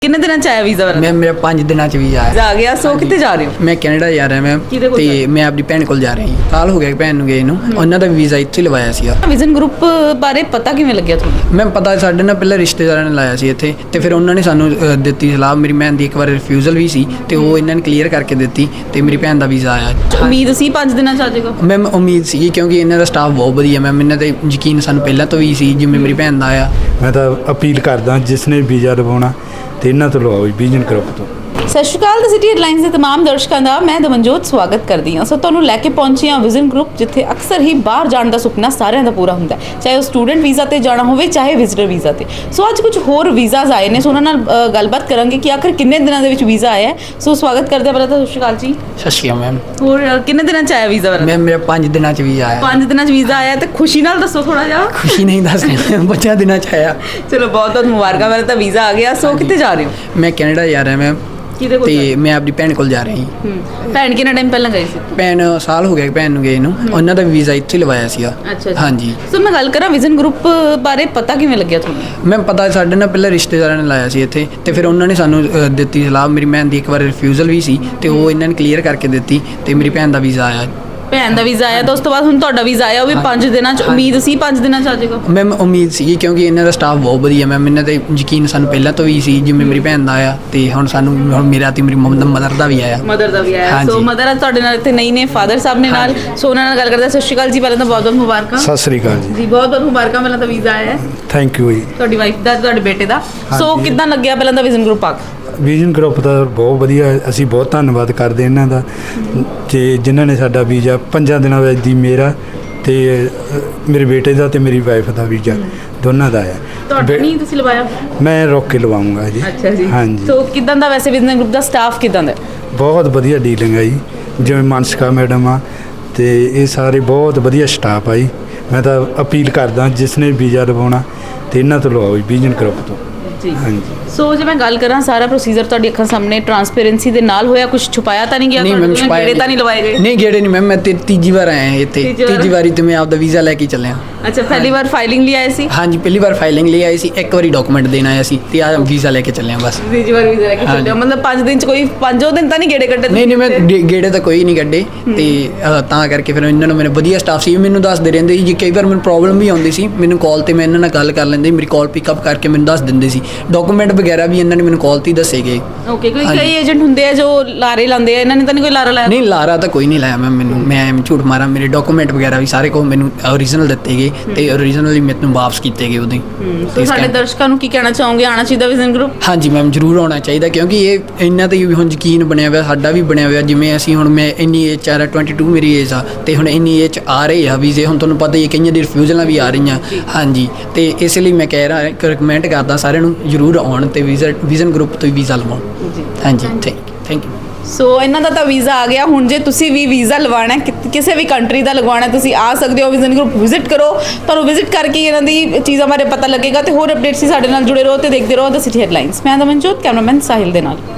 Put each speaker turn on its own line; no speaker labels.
ਕਿੰਨੇ ਦਿਨਾਂ ਚ ਆਇਆ ਵੀਜ਼ਾ?
ਮੈਂ ਮੇਰਾ 5 ਦਿਨਾਂ ਚ ਵੀਜ਼ਾ ਆਇਆ।
ਆ ਗਿਆ। ਸੋ ਕਿੱਥੇ ਜਾ ਰਹੇ ਹੋ?
ਮੈਂ ਕੈਨੇਡਾ ਜਾ ਰਿਹਾ ਮੈਮ,
ਕਿਹਦੇ ਕੋਲ ਜਾ ਰਹੇ
ਤੇ ਮੈਂ ਆਪਣੀ ਭੈਣ ਕੋਲ ਜਾ ਰਹੀ ਹਾਂ। ਸਾਲ ਹੋ ਗਿਆ ਭੈਣ ਨੂੰ ਗਏ ਨੂੰ, ਉਹਨਾਂ ਦਾ ਵੀਜ਼ਾ ਇੱਥੇ ਲਵਾਇਆ ਸੀਗਾ।
ਵਿਜ਼ਨ ਗਰੁੱਪ ਬਾਰੇ ਪਤਾ ਕਿਵੇਂ ਲੱਗਿਆ ਤੁਹਾਨੂੰ?
ਮੈਂ ਪਤਾ ਸਾਡੇ ਨਾਲ ਪਹਿਲਾਂ ਰਿਸ਼ਤੇਦਾਰਾਂ ਨੇ ਲਾਇਆ ਸੀ ਇੱਥੇ, ਤੇ ਫਿਰ ਉਹਨਾਂ ਨੇ ਸਾਨੂੰ ਦਿੱਤੀ ਸਲਾਹ। ਮੇਰੀ ਭੈਣ ਦੀ ਇੱਕ ਵਾਰ ਰਿਫਿਊਜ਼ਲ ਵੀ ਸੀ, ਤੇ ਉਹ ਇਹਨਾਂ ਨੇ ਕਲੀਅਰ ਕਰਕੇ ਦਿੱਤੀ, ਤੇ ਮੇਰੀ ਭੈਣ ਦਾ ਵੀਜ਼ਾ ਆਇਆ।
ਉਮੀਦ ਸੀ 5 ਦਿਨਾਂ ਚ ਆ ਜਾਏਗਾ?
ਮੈਮ ਉਮੀਦ ਸੀ, ਕਿਉਂਕਿ ਇਹਨਾਂ ਦਾ ਸਟਾਫ ਬਹੁਤ ਵਧੀਆ ਮੈਮ, ਇਹਨਾਂ ਤੇ ਯਕੀਨ ਸਾਨੂੰ ਪਹਿਲਾਂ ਤੋਂ ਵੀ ਸੀ, ਜਿਵੇਂ ਮੇਰੀ ਭੈਣ ਦਾ ਆਇਆ।
ਮੈਂ ਤਾਂ ਅਪੀਲ ਕਰਦਾ ਜਿਸ ਨੇ ਵੀਜ਼ਾ ਲਵਾਉਣਾ ਤੇ ਇਹਨਾਂ ਤੋਂ ਲਵਾਓ, ਵਿਜ਼ਨ ਗਰੁੱਪ ਤੋਂ।
ਸਤਿ ਸ਼੍ਰੀ ਅਕਾਲ। ਦ ਸਿਟੀ ਹੈਡਲਾਈਨਸ ਦੇ तमाम ਦਰਸ਼ਕਾਂ ਦਾ ਮੈਂ ਦਮਨਜੋਤ ਸਵਾਗਤ ਕਰਦੀ ਹਾਂ। ਸੋ ਤੁਹਾਨੂੰ ਲੈ ਕੇ ਪਹੁੰਚੀ ਹਾਂ ਵਿਜ਼ਨ ਗਰੁੱਪ, ਜਿੱਥੇ ਅਕਸਰ ਹੀ ਬਾਹਰ ਜਾਣ ਦਾ ਸੁਪਨਾ ਸਾਰਿਆਂ ਦਾ ਪੂਰਾ ਹੁੰਦਾ ਹੈ, ਚਾਹੇ ਉਹ ਸਟੂਡੈਂਟ ਵੀਜ਼ਾ ਤੇ ਜਾਣਾ ਹੋਵੇ, ਚਾਹੇ ਵਿਜ਼ਟਰ ਵੀਜ਼ਾ ਤੇ। ਸੋ ਅੱਜ ਕੁਝ ਹੋਰ ਵੀਜ਼ਾਜ਼ ਆਏ ਨੇ, ਸੋ ਉਹਨਾਂ ਨਾਲ ਗੱਲਬਾਤ ਕਰਾਂਗੇ ਕਿ ਆਖਰ ਕਿੰਨੇ ਦਿਨਾਂ ਦੇ ਵਿੱਚ ਵੀਜ਼ਾ ਆਇਆ ਹੈ। ਸੋ ਸਵਾਗਤ ਕਰਦੇ ਹਾਂ ਪਹਿਲਾਂ ਤਾਂ। ਸਤਿ ਸ਼੍ਰੀ ਅਕਾਲ ਜੀ।
ਸਤਿ ਸ਼੍ਰੀ ਅਕਾਲ ਮੈਮ।
ਹੋਰ ਕਿੰਨੇ ਦਿਨਾਂ ਚ ਆਇਆ ਵੀਜ਼ਾ?
ਮੈਮ ਮੇਰਾ 5 ਦਿਨਾਂ ਚ ਵੀਜ਼ਾ ਆਇਆ।
5 ਦਿਨਾਂ ਚ ਵੀਜ਼ਾ ਆਇਆ, ਤੇ ਖੁਸ਼ੀ ਨਾਲ ਦੱਸੋ ਥੋੜਾ ਜਿਹਾ।
ਖੁਸ਼ੀ ਨਹੀਂ ਦੱਸ ਰਹੀ, 5 ਦਿਨਾਂ ਚ ਆਇਆ।
ਚਲੋ ਬਹੁਤ ਬਹੁਤ ਮੁਬਾਰਕਾਂ, ਮੇਰਾ ਤਾਂ ਵੀਜ਼ਾ ਆ ਗਿਆ। ਸੋ ਕਿੱਥੇ ਜਾ ਰਹੇ ਹੋ?
ਮੈਂ ਕੈਨੇਡਾ ਜਾ ਰਿਹਾ ਮੈਮ,
ਕਿਹਦੇ ਕੋਲ?
ਤੇ ਮੈਂ ਆਪਣੀ ਭੈਣ ਕੋਲ ਜਾ ਰਹੀ।
ਭੈਣ ਕਿੰਨਾ ਟਾਈਮ ਪਹਿਲਾਂ ਗਈ ਸੀ?
ਭੈਣ ਸਾਲ ਹੋ ਗਿਆ ਭੈਣ ਨੂੰ ਗਏ ਨੂੰ, ਉਹਨਾਂ ਦਾ ਵੀਜ਼ਾ ਇੱਥੇ ਲਵਾਇਆ ਸੀਗਾ।
ਅੱਛਾ।
ਹਾਂਜੀ।
ਸੋ ਮੈਂ ਗੱਲ ਕਰਾਂ ਵਿਜ਼ਨ ਗਰੁੱਪ ਬਾਰੇ ਪਤਾ ਕਿਵੇਂ ਲੱਗਿਆ ਤੁਹਾਨੂੰ?
ਮੈਂ ਪਤਾ ਸਾਡੇ ਨਾਲ ਪਹਿਲਾਂ ਰਿਸ਼ਤੇਦਾਰਾਂ ਨੇ ਲਾਇਆ ਸੀ ਇੱਥੇ, ਤੇ ਫਿਰ ਉਹਨਾਂ ਨੇ ਸਾਨੂੰ ਦਿੱਤੀ ਸਲਾਹ। ਮੇਰੀ ਭੈਣ ਦੀ ਇੱਕ ਵਾਰ ਰਿਫਿਊਜ਼ਲ ਵੀ ਸੀ, ਤੇ ਉਹ ਇਹਨਾਂ ਨੇ ਕਲੀਅਰ ਕਰਕੇ ਦਿੱਤੀ, ਤੇ ਮੇਰੀ ਭੈਣ ਦਾ ਵੀਜ਼ਾ ਆਇਆ।
ਭੈਣ ਦਾ ਵੀਜ਼ਾ ਆਇਆ ਤਾਂ ਉਸ ਤੋਂ ਬਾਅਦ ਹੁਣ ਤੁਹਾਡਾ ਵੀਜ਼ਾ ਆਇਆ, ਉਹ ਵੀ 5 ਦਿਨਾਂ ਚ। ਉਮੀਦ ਸੀ 5 ਦਿਨਾਂ ਚ ਆ ਜਾਏਗਾ?
ਮੈਮ ਉਮੀਦ ਸੀ, ਕਿਉਂਕਿ ਇਹਨਾਂ ਦਾ ਸਟਾਫ ਬਹੁਤ ਵਧੀਆ ਮੈਮ, ਇਹਨਾਂ ਤੇ ਯਕੀਨ ਸਾਨੂੰ ਪਹਿਲਾਂ ਤੋਂ ਵੀ ਸੀ, ਜਿਵੇਂ ਮੇਰੀ ਭੈਣ ਦਾ ਆਇਆ, ਤੇ ਹੁਣ ਸਾਨੂੰ ਹੁਣ ਮੇਰਾ ਤੇ ਮੇਰੀ ਮਦਰ ਦਾ ਵੀ ਆਇਆ।
ਮਦਰ ਦਾ ਵੀ ਆਇਆ।
ਹਾਂਜੀ।
ਸੋ ਮਦਰ ਅੱਜ ਤੁਹਾਡੇ ਨਾਲ ਇੱਥੇ ਨਹੀਂ ਨੇ, ਫਾਦਰ ਸਾਹਿਬ ਨੇ ਨਾਲ। ਸੋ ਉਹਨਾਂ ਨਾਲ ਗੱਲ ਕਰਦੇ ਹਾਂ। ਸਤਿ ਸ਼੍ਰੀ ਅਕਾਲ ਜੀ, ਪਹਿਲਾਂ ਤਾਂ ਬਹੁਤ ਬਹੁਤ ਮੁਬਾਰਕਾਂ।
ਸਤਿ ਸ੍ਰੀ ਅਕਾਲ ਜੀ।
ਜੀ ਬਹੁਤ ਬਹੁਤ ਮੁਬਾਰਕਾਂ, ਪਹਿਲਾਂ ਤਾਂ ਵੀਜ਼ਾ ਆਇਆ ਹੈ
ਥੈਂਕ ਯੂ ਜੀ।
ਤੁਹਾਡੀ ਵਾਈਫ ਦਾ, ਤੁਹਾਡੇ ਬੇਟੇ ਦਾ। ਸੋ ਕਿੱਦਾਂ ਲੱਗਿਆ ਪਹਿਲਾਂ ਤਾਂ ਵਿਜ਼ਨ ਗਰੁੱਪ ਆ ਕੇ?
ਵਿਜ਼ਨ ਗਰੁੱਪ ਦਾ ਬਹੁਤ ਵਧੀਆ, ਅਸੀਂ ਬਹੁਤ ਧੰਨਵਾਦ ਕਰਦੇ ਇਹਨਾਂ ਦਾ, ਤੇ ਜਿਨ੍ਹਾਂ ਨੇ ਸਾਡਾ ਵੀਜ਼ਾ 5 ਦਿਨਾਂ ਵਿੱਚ ਦੀ ਮੇਰਾ ਤੇ ਮੇਰੇ ਬੇਟੇ ਦਾ ਤੇ ਮੇਰੀ ਵਾਈਫ ਦਾ ਵੀਜ਼ਾ ਦੋਨਾਂ ਦਾ ਆਇਆ।
ਤੁਹਾਡਾ ਨਹੀਂ ਤੁਸੀਂ ਲਵਾਇਆ?
ਮੈਂ ਰੋਕ ਕੇ ਲਵਾਉਂਗਾ ਜੀ।
ਅੱਛਾ ਜੀ।
ਹਾਂਜੀ।
ਸੋ ਕਿੱਦਾਂ ਦਾ ਵੈਸੇ ਵਿਜ਼ਨ ਗਰੁੱਪ ਦਾ ਸਟਾਫ ਕਿੱਦਾਂ ਦਾ?
ਬਹੁਤ ਵਧੀਆ ਡੀਲਿੰਗ ਹੈ ਜੀ, ਜਿਵੇਂ ਮਾਨਸਿਕਾ ਮੈਡਮ ਆ, ਤੇ ਇਹ ਸਾਰੇ ਬਹੁਤ ਵਧੀਆ ਸਟਾਫ ਆ ਜੀ। ਮੈਂ ਤਾਂ ਅਪੀਲ ਕਰਦਾ ਜਿਸ ਨੇ ਵੀਜ਼ਾ ਲਵਾਉਣਾ ਤੇ ਇਹਨਾਂ ਤੋਂ ਲਵਾਓ, ਵਿਜ਼ਨ ਗਰੁੱਪ ਤੋਂ।
ਜੀ।
ਹਾਂਜੀ।
ਸੋ ਜੇ ਮੈਂ ਗੱਲ ਕਰਾਂ, ਸਾਰਾ ਪ੍ਰੋਸੀਜਰ ਤੁਹਾਡੀ ਅੱਖਾਂ ਸਾਹਮਣੇ ਟਰਾਂਸਪੇਰੈਂਸੀ ਦੇ ਨਾਲ ਹੋਇਆ, ਕੁਝ ਛੁਪਾਇਆ ਤਾਂ ਨਹੀਂ ਗਿਆ?
ਨਹੀਂ ਮੈਮ, ਛੁਪਾਇਆ
ਗੇੜੇ ਤਾਂ ਨਹੀਂ ਲਵਾਏ ਗਏ?
ਨਹੀਂ ਗੇੜੇ ਨਹੀਂ ਮੈਮ, ਮੈਂ ਤੀਜੀ ਵਾਰ ਆਇਆ ਇੱਥੇ। ਤੀਜੀ ਵਾਰੀ ਤੇ ਮੈਂ ਆਪਦਾ ਵੀਜ਼ਾ ਲੈ ਕੇ ਚੱਲਿਆ।
ਅੱਛਾ, ਪਹਿਲੀ ਵਾਰ ਫਾਈਲਿੰਗ ਲਈ ਆਏ ਸੀ?
ਹਾਂਜੀ, ਪਹਿਲੀ ਵਾਰ ਫਾਈਲਿੰਗ ਲਈ ਆਈ ਸੀ, ਇੱਕ ਵਾਰੀ ਡਾਕੂਮੈਂਟ ਦੇਣ ਆਇਆ ਸੀ, ਤੇ ਆ ਵੀਜ਼ਾ ਲੈ ਕੇ ਚੱਲਿਆ ਬਸ।
ਤੀਜੀ ਵਾਰ ਵੀਜ਼ਾ ਲੈ ਕੇ ਚੱਲੇ ਹੋ? ਮਤਲਬ 5 ਦਿਨ ਚ ਕੋਈ 5 ਦਿਨ ਤਾਂ ਨਹੀਂ ਗੇੜੇ ਕੱਢੇ?
ਨਹੀਂ ਮੈਂ ਗੇੜੇ ਤਾਂ ਕੋਈ ਨਹੀਂ ਕੱਢੇ, ਤੇ ਤਾਂ ਕਰਕੇ ਫਿਰ ਇਹਨਾਂ ਨੂੰ ਮੇਰੇ ਵਧੀਆ ਸਟਾਫ ਸੀ, ਮੈਨੂੰ ਦੱਸਦੇ ਰਹਿੰਦੇ ਸੀ। ਜੇ ਕਈ ਵਾਰ ਮੈਨੂੰ ਪ੍ਰੋਬਲਮ ਵੀ ਆਉਂਦੀ ਸੀ, ਮੈਨੂੰ ਕਾਲ ਤੇ ਮੈਂ ਇਹਨਾਂ ਨਾਲ ਗੱਲ ਕਰ ਲੈਂਦੇ, ਮੇਰੀ ਕਾਲ ਪਿਕਅਪ ਕਰਕੇ ਮੈਨੂੰ ਦੱਸ ਦਿੰਦੇ ਸੀ। ਡਾਕੂਮੈਂਟ ਵਗੈਰਾ ਵੀ ਇਹਨਾਂ ਨੇ ਮੈਨੂੰ ਕਾਲ ਤੇ ਹੀ ਦੱਸੇ ਗਏ।
ਓਕੇ। ਕੋਈ ਕਈ ਏਜੰਟ ਹੁੰਦੇ ਆ ਜੋ ਲਾਰੇ ਲਾਉਂਦੇ ਆ, ਇਹਨਾਂ ਨੇ ਤਾਂ ਨਹੀਂ ਕੋਈ ਲਾਰਾ ਲਾਇਆ?
ਨਹੀਂ, ਲਾਰਾ ਤਾਂ ਕੋਈ ਨਹੀਂ ਲਾਇਆ ਮੈਨੂੰ, ਮੈਂ ਐਵੇਂ ਝੂਠ ਮਾਰਾਂ। ਮੇਰੇ ਡਾਕੂਮੈਂਟ ਵਗੈਰਾ ਵੀ ਸਾਰੇ ਕੋ ਮੈਨੂੰ ਓਰੀਜਨਲ ਦਿੱਤੇ ਗਏ, ਤੇ ਓਰੀਜਨਲੀ ਮੈਨੂੰ ਵਾਪਸ ਕੀਤੇ ਗਏ ਉਹਦੇ।
ਸੋ ਸਾਡੇ ਦਰਸ਼ਕਾਂ ਨੂੰ ਕੀ ਕਹਿਣਾ ਚਾਹੋਗੇ? ਆਉਣਾ ਚਾਹੀਦਾ ਵਿਜ਼ਨ ਗਰੁੱਪ?
ਹਾਂਜੀ ਮੈਮ, ਜ਼ਰੂਰ ਆਉਣਾ ਚਾਹੀਦਾ, ਕਿਉਂਕਿ ਇਹ ਇਹਨਾਂ ਤੇ ਵੀ ਹੁਣ ਯਕੀਨ ਬਣਿਆ ਹੋਇਆ, ਸਾਡਾ ਵੀ ਬਣਿਆ ਹੋਇਆ। ਜਿਵੇਂ ਅਸੀਂ ਹੁਣ, ਮੈਂ ਇੰਨੀ ਏਜ 'ਚ ਆ ਰਿਹਾ, 22 ਮੇਰੀ ਏਜ ਆ, ਤੇ ਹੁਣ ਇੰਨੀ ਏਜ 'ਚ ਆ ਰਹੇ ਆ ਵੀਜ਼ੇ। ਹੁਣ ਤੁਹਾਨੂੰ ਪਤਾ ਹੀ ਹੈ, ਕਈਆਂ ਦੀ ਰਿਫਿਊਜ਼ਲਾਂ ਵੀ ਆ ਰਹੀਆਂ। ਹਾਂਜੀ, ਤੇ ਇਸ ਲਈ ਮੈਂ ਕਹਿ ਰਿਹਾ, ਰਿਕਮੈਂਡ ਕਰਦਾ ਸਾਰਿਆਂ ਨੂੰ ਜ਼ਰੂਰ ਆਉਣ, ਤੇ ਵਿਜ਼ਨ ਗਰੁੱਪ ਤੋਂ ਹੀ ਵੀਜ਼ਾ ਲਵਾਉਣ।
ਜੀ।
ਹਾਂਜੀ, ਥੈਂਕ ਯੂ।
ਸੋ ਇਹਨਾਂ ਦਾ ਤਾਂ ਵੀਜ਼ਾ ਆ ਗਿਆ। ਹੁਣ ਜੇ ਤੁਸੀਂ ਵੀ ਵੀਜ਼ਾ ਲਵਾਉਣਾ, ਕਿਸੇ ਵੀ ਕੰਟਰੀ ਦਾ ਲਗਵਾਉਣਾ, ਤੁਸੀਂ ਆ ਸਕਦੇ ਹੋ। ਵਿਜ਼ਨ ਗਰੁੱਪ ਵਿਜ਼ਿਟ ਕਰੋ, ਤੁਹਾਨੂੰ ਵਿਜ਼ਿਟ ਕਰਕੇ ਇਹਨਾਂ ਦੀ ਚੀਜ਼ਾਂ ਬਾਰੇ ਪਤਾ ਲੱਗੇਗਾ। ਤੇ ਹੋਰ ਅਪਡੇਟਸ ਸੀ ਸਾਡੇ ਨਾਲ ਜੁੜੇ ਰਹੋ ਤੇ ਦੇਖਦੇ ਰਹੋ ਦ ਸਿਟੀ ਹੈਡਲਾਈਨਸ। ਮੈਂ ਦਮਨਜੋਤ, ਕੈਮਰਾਮੈਨ ਸਾਹਿਲ ਦੇ ਨਾਲ।